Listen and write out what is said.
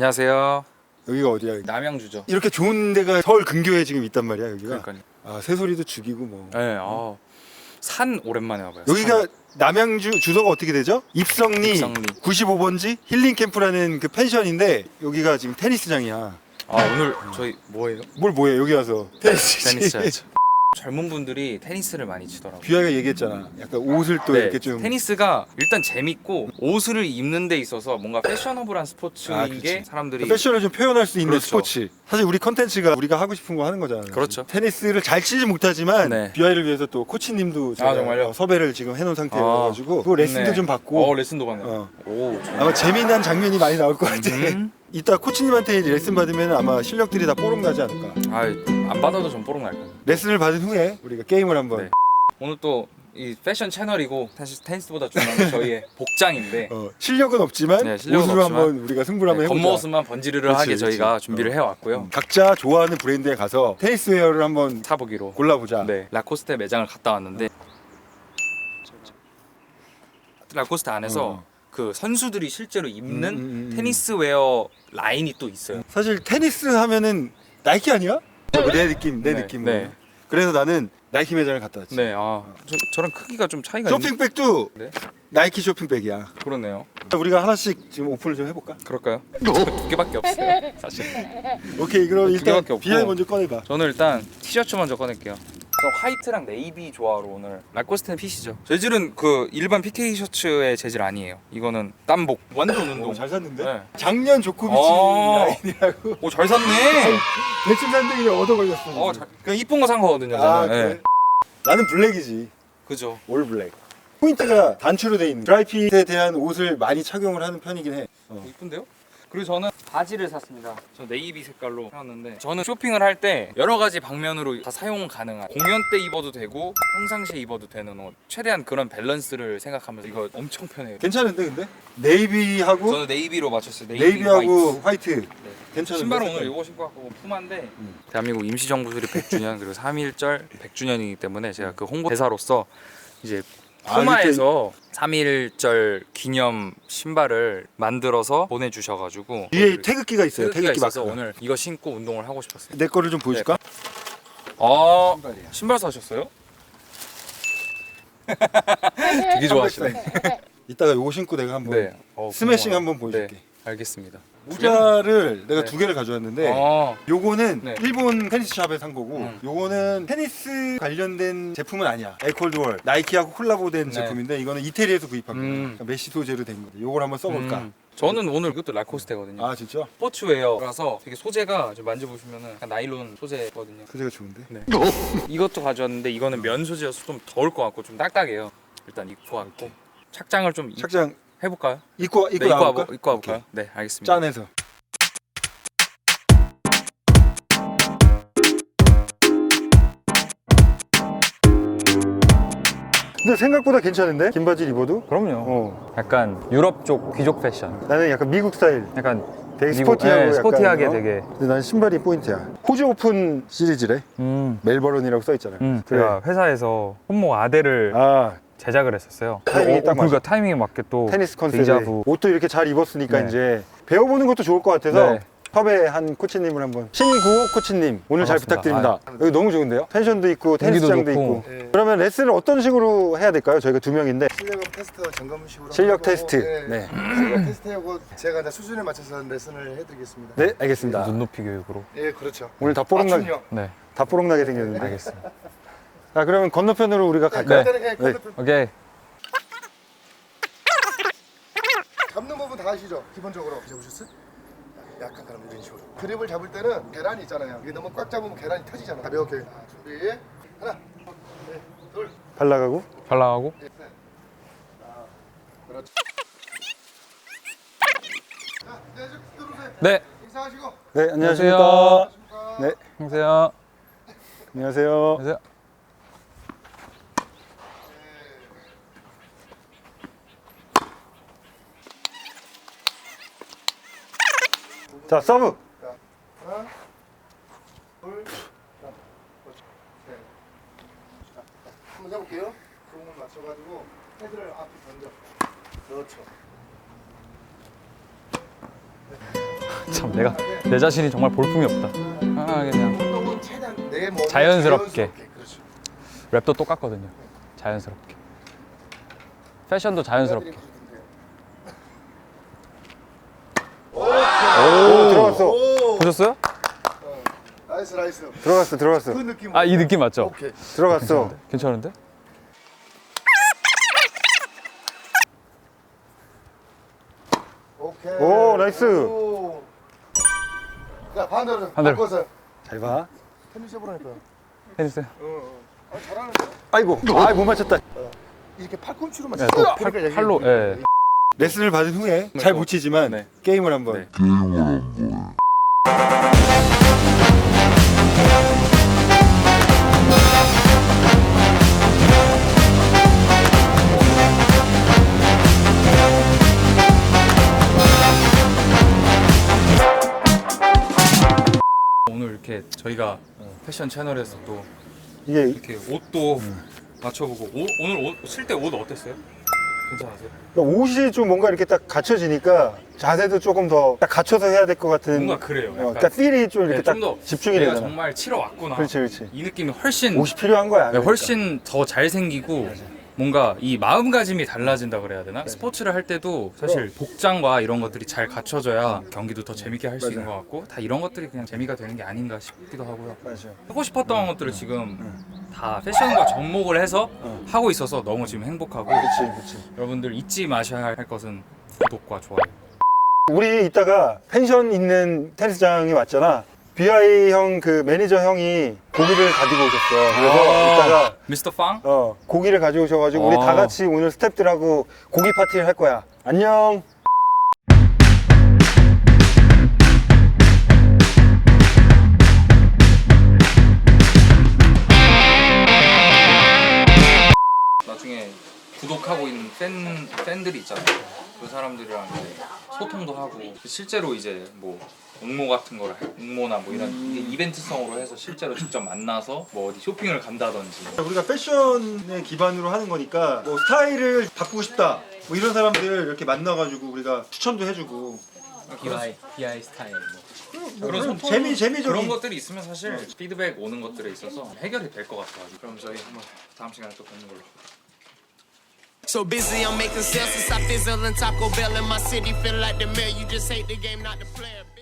안녕하세요. 여기가 어디야? 남양주죠. 이렇게 좋은 데가 서울 근교에 지금 있단 말이야 여기가. 그러니까요. 아 새소리도 죽이고 뭐. 네, 산 오랜만에 와봐요. 여기가 산. 남양주 주소가 어떻게 되죠? 입성리 95번지 힐링 캠프라는 그 펜션인데 여기가 지금 테니스장이야. 오늘 저희 뭐예요? 뭘 뭐해 여기 와서 테니스 테니스 쳐야죠. 젊은 분들이 테니스를 많이 치더라고요. 뷰아가 얘기했잖아. 약간 옷을 또 네, 이렇게 좀 테니스가 일단 재밌고 옷을 입는 데 있어서 뭔가 패셔너블한 스포츠인 게 사람들이 패션을 좀 표현할 수 있는 그렇죠. 스포츠. 사실 우리 컨텐츠가 우리가 하고 싶은 거 하는 거잖아. 그렇죠. 테니스를 잘 치지 못하지만 네. 뷰아이를 위해서 또 코치님도 제가 정말요? 섭외를 지금 해놓은 상태여가지고 그 레슨도 네. 좀 받고 레슨도 받네요. 오, 아마 재미난 장면이 많이 나올 것 같아. 이따 코치님한테 레슨 받으면 아마 실력들이 다 뽀록 나지 않을까. 안 받아도 좀 뽀록 날 거예요. 레슨을 받은 후에 우리가 게임을 한번. 네. 오늘 또 이 패션 채널이고 사실 테니스보다 중요한 건 저희의 복장인데 실력은 없지만 네, 실력은 옷으로 없지만 한번 우리가 승부를 한번 해보자. 겉모습만 번지르르하게 그렇지, 저희가 그렇지. 준비를 해왔고요. 각자 좋아하는 브랜드에 가서 테니스 웨어를 한번 사보기로 골라보자. 네, 라코스테 매장을 갔다 왔는데 라코스테 안에서 그 선수들이 실제로 입는 테니스 웨어 라인이 또 있어요. 사실 테니스 하면은 나이키 아니야? 내 느낌. 네. 그래서 나는 나이키 매장을 갔다 왔지. 네, 저랑 크기가 좀 차이가 쇼핑백도 네. 나이키 쇼핑백이야. 그러네요. 우리가 하나씩 지금 오픈을 좀 해볼까? 그럴까요? 두 개밖에 없어요, 사실. 오케이, 그럼 두 일단 개밖에 없고. 비하이 먼저 꺼내봐. 저는 일단 티셔츠 먼저 꺼낼게요. 저 화이트랑 네이비 조화로 오늘 라코스테는 핏이죠. 재질은 그 일반 PK 셔츠의 재질 아니에요. 이거는 땀복. 완전 운동. 잘 샀는데? 네. 작년 조코비치 라인이라고. 오, 잘 샀네. 대충 샀는데 얻어 걸렸어. 그냥 이쁜 거 산 거거든요. 저는. 그래? 네. 나는 블랙이지. 그죠. 올 블랙. 포인트가 단추로 돼 있는 드라이핏에 대한 옷을 많이 착용을 하는 편이긴 해. 이쁜데요? 그리고 저는 바지를 샀습니다. 저 네이비 색깔로 샀는데 저는 쇼핑을 할 때 여러 가지 방면으로 다 사용 가능한 공연 때 입어도 되고 평상시에 입어도 되는 옷 최대한 그런 밸런스를 생각하면서 이거 엄청 편해요. 괜찮은데 근데? 네이비하고 저는 네이비로 맞췄어요. 네이비하고 화이트. 괜찮은데? 신발은 오늘 색깔? 이거 신고 왔고 푸마인데 대한민국 임시정부 수립 100주년 그리고 3.1절 100주년이기 때문에 제가 그 홍보대사로서 이제 푸마에서 3.1절 기념 신발을 만들어서 보내주셔가지고 뒤에 태극기가 있어요. 태극기가 태극기 있어서 마크가. 오늘 이거 신고 운동을 하고 싶었어요. 내 거를 좀 보여줄까? 신발이야. 신발 사셨어요? 되게 좋아하시네. 이따가 요거 신고 내가 한번 네. 스매싱 고마워요. 한번 보여줄게. 네, 알겠습니다. 모자를 내가 네. 두 개를 가져왔는데 요거는 네. 일본 테니스 샵에 산 거고 요거는 테니스 관련된 제품은 아니야. 에이콜드월 나이키하고 콜라보된 제품인데 이거는 이태리에서 구입한 거야. 그러니까 메시 소재로 된 거야. 요걸 한번 써볼까? 저는 오늘 이것도 라코스테거든요. 아 진짜? 스포츠웨어라서 되게 소재가 좀 만져보시면은 약간 나일론 소재거든요. 소재가 좋은데? 네. 이것도 가져왔는데 이거는 면 소재여서 좀 더울 것 같고 좀 딱딱해요. 일단 입고 왔고 착장을 좀 착장 해볼까요? 입고 네, 나올까? 입고 와볼까요? 네, 알겠습니다. 짠해서. 근데 생각보다 괜찮은데? 긴 바지 입어도? 그럼요. 약간 유럽 쪽 귀족 패션. 나는 약간 미국 스타일. 약간 되게 미국, 스포티하고 네, 약간, 스포티하게 되게. 근데 난 신발이 포인트야. 호주 오픈 시리즈래. 멜버른이라고 써 있잖아요. 제가 회사에서 손목 아대를 아 제작을 했었어요. 타이밍이 딱 그러니까 맞아. 타이밍에 맞게 또 테니스 컨셉에 데이자부. 옷도 이렇게 잘 입었으니까 네. 이제 배워보는 것도 좋을 것 같아서 네. 섭외한 코치님을 한번 신구호 코치님 오늘 잘 반갑습니다. 부탁드립니다. 여기 너무 좋은데요? 펜션도 있고 테니스장도 있고. 좋고. 그러면 레슨을 어떤 식으로 해야 될까요? 저희가 두 명인데 실력 테스트 점검식으로 실력 하고, 테스트. 네. 실력 테스트하고 제가 이제 수준에 맞춰서 레슨을 해드리겠습니다. 네 알겠습니다. 눈높이 교육으로. 예, 그렇죠. 오늘 다 뽀록나게 맞춤형. 네. 다 뽀록나게 생겼는데. 알겠습니다. 자 그러면 건너편으로 우리가 갈까요? 네. 네. 오케이. 잡는 부분 다 아시죠? 기본적으로 잡으셨어요? 약간 그럼 이런 식으로. 그립을 잡을 때는 계란이 있잖아요. 이게 너무 꽉 잡으면 계란이 터지잖아. 가볍게. 자, 준비. 하나, 둘, 발라가고. 발라가고. 셋. 자, 그렇죠. 자, 이제 들어오세요. 네. 인사하시고. 네 안녕하십니까. 네 안녕하세요. 안녕하세요. 안녕하세요. 자 서브. 자, 하나, 둘, 자, 셋. 자, 한번 해볼게요. 공을 맞춰가지고 헤드를 앞에 던져. 그렇죠. 참 내 자신이 정말 볼품이 없다. 편안하게 그냥 운동은 최대한 내 몸에 자연스럽게. 그렇죠. 랩도 똑같거든요. 자연스럽게. 패션도 자연스럽게. 오, 들어갔어. 오, 보셨어요? 나이스. 들어갔어. 그 느낌. 아, 이 느낌 맞죠? 오케이. 들어갔어. 괜찮은데? 오케이. 오, 나이스. 오. 자, 반대로. 반대로. 바꿔서. 잘 봐. 테니스 해보라니까요. 해주세요. 아, 잘하는데? 아이고, 못 맞췄다. 이렇게 팔꿈치로만 네, 치고 또 팔로, 예. 레슨을 받은 후에 잘 못 치지만 네. 게임을 한번. 네. 오늘 이렇게 저희가 패션 채널에서 또 이게 이렇게 옷도 맞춰보고 오늘 옷 쓸 때 옷 어땠어요? 괜찮았어요? 옷이 좀 뭔가 이렇게 딱 갖춰지니까 자세도 조금 더 딱 갖춰서 해야 될 것 같은. 뭔가 그래요. 약간 딱 필이 좀 이렇게 네, 딱 좀 더 집중이 내가 되잖아. 정말 치러 왔구나. 그렇지. 이 느낌이 훨씬 옷이 필요한 거야. 네, 그러니까. 훨씬 더 잘생기고 뭔가 이 마음가짐이 달라진다 그래야 되나? 스포츠를 할 때도 사실 복장과 이런 것들이 잘 갖춰져야 경기도 더 재밌게 할 수 있는 것 같고 다 이런 것들이 그냥 재미가 되는 게 아닌가 싶기도 하고요. 맞아. 하고 싶었던 것들을 지금 다 패션과 접목을 해서 하고 있어서 너무 지금 행복하고 그렇지. 여러분들 잊지 마셔야 할 것은 구독과 좋아요. 우리 이따가 펜션 있는 테니스장에 왔잖아. BI 형 그 매니저 형이 고기를 가지고 오셨어. 그래서 이따가 미스터 팡? 고기를 가지고 오셔가지고 우리 다 같이 오늘 스태프들하고 고기 파티를 할 거야. 안녕. 나중에 구독하고 있는 팬들이 있잖아요. 그 사람들이랑 이제 소통도 하고 실제로 이제 뭐 응모 같은 거를 응모나 뭐 이런 이벤트성으로 해서 실제로 직접 만나서 뭐 어디 쇼핑을 간다든지 우리가 패션에 기반으로 하는 거니까 뭐 스타일을 바꾸고 싶다. 뭐 이런 사람들 이렇게 만나가지고 우리가 추천도 해주고. BI 스타일 뭐 그런 소통, 재미적인 그런 것들이 있으면 사실 피드백 오는 것들에 있어서 해결이 될 것 같아요. 그럼 저희 한번 다음 시간에 또 뵙는 걸로. So busy, I'm making sales since I fizzle and Taco Bell in my city. Feel like the mayor, you just hate the game, not the player.